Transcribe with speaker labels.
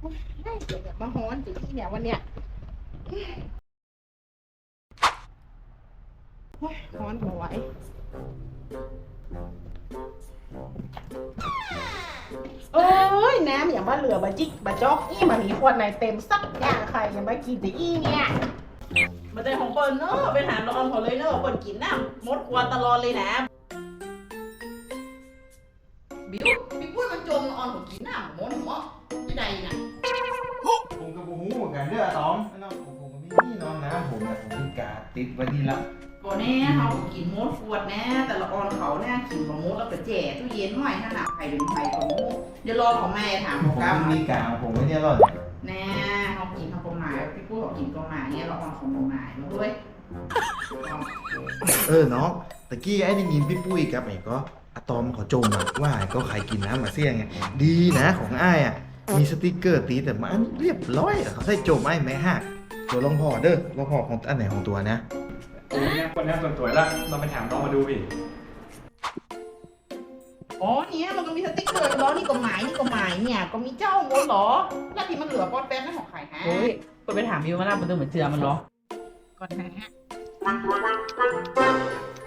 Speaker 1: เดี๋ยวมาฮ้อนสิที่เนี่ยวันเนี้ยฮ้อนเอาไว้เอ้ยน้ำอย่างบ้าเหลือบาจิกบาจอกอี้มามีขวดไหนเต็มสักอย่างใครยังไม่กินแต่อี้เนี่ยมาแต่ของเปิ้ลเนอะไปหาลอนเขาเลยเนอะเปิ้ลกินน้ำมดขวดตลอดเลยนะบิวพี่พูดมันจมออนผมกินน้ำมดหัวไม่ได้นะ
Speaker 2: ผมกับผมหูเหมือนกันเด้อต๋อมน้องผมก็มีน้องนะผมนะผมมีกาติดไว้นี่ละ
Speaker 1: ก่อนแน่เขากินมดขวดแน่แต่ละออนเขาแน่กินของมดแล้วก็แจ่ตู้เย็นห้อยขนาดไข่เป็นไข่ของมดเดี๋ยวรอของแม่ถาม
Speaker 2: ผ
Speaker 1: ของ
Speaker 2: ม
Speaker 1: ก้าว
Speaker 2: มีกาผมไม่ได้รอด
Speaker 1: แน่เขากินเขาประมาณพี่พูดเขากินประมาณเนี่ยเราออนของประมาณมาด้วย
Speaker 2: น้องตะกี้ไอ้ได้ยินพี่ปุ้ยกับไอ้ก็อะตอมเขาจมอะว่าไอ้ก็ใครกินน้ำมาเสี่ยงไงดีนะของอ้ายอะมีสติกเกอร์ตีแต่มันเรียบร้อยอะเขาใส่จมไอ้แม่หักตัวลองพอเด้อลองพอของอันไหนของตัวนะ
Speaker 3: โอ้ยเนี่ยคนนี้สวยๆแล้วเราไปถามน้องมาดูพี่
Speaker 1: อ๋อเนี่ยมันก็มีสติ๊กเกอร์ล้อนี่ก็หมายนี่ก็หมายเนี่ยก็มีเจ้ามดเหรอแล้วที่มันเหลือปอดแป้งนั่นของใครฮะ
Speaker 4: โอ้ยไปถามมิวมาแล้วมันต้องเหมือนเจือมันเหรอ
Speaker 1: ก่อนนะฮะ